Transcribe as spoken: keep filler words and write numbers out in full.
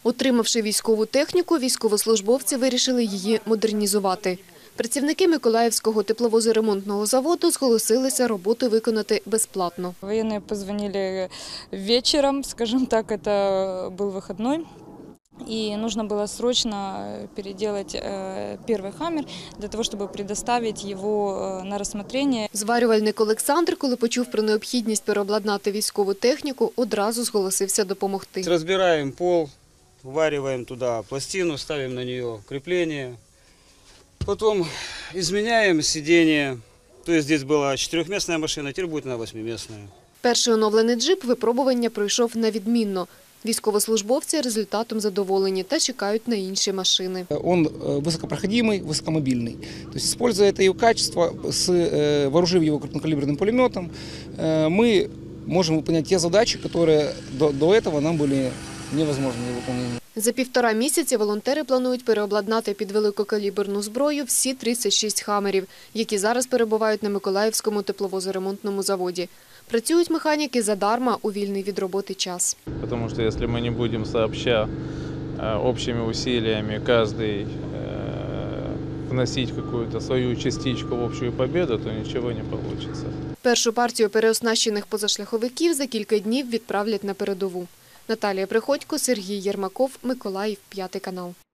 Отримавши військову техніку, військовослужбовці вирішили її модернізувати. Працівники Миколаївського тепловозоремонтного заводу зголосилися роботу виконати безплатно. Военные позвонили вечером, скажем так, это был выходной. И нужно было срочно переделать первый «Хаммер» для того, чтобы предоставить его на рассмотрение. Зварювальник Олександр, коли почув про необхідність переобладнати військову техніку, одразу зголосився допомогти. Разбираем пол, ввариваем туда пластину, ставим на нее крепление. Потом изменяем сиденье. То есть здесь была четырехместная машина, теперь будет она восьмиместная. Перший оновлений джип випробування пройшов на відмінно. Військовослужбовці результатом задоволені та чекають на інші машини. Он высокопроходимый, высокомобильный. То есть, используя это его качество, с, вооружив его крупнокалиберным пулеметом, мы можем выполнять те задачи, которые до, до этого нам были невозможны для выполнения. За півтора місяці волонтери планують переобладнати під великокаліберну зброю всі тридцять шість «Хаммерів», які зараз перебувають на Миколаївському тепловозоремонтному заводі. Працюють механіки задарма у вільний від роботи час. Тому що якщо ми не будемо сообща общими усилиями каждый вносить какую-то свою частичку в общую победу, то нічого не вийде. Першу партію переоснащених позашляховиків за кілька днів відправлять на передову. Наталія Приходько, Сергій Єрмаков, Миколаїв, п'ятий канал.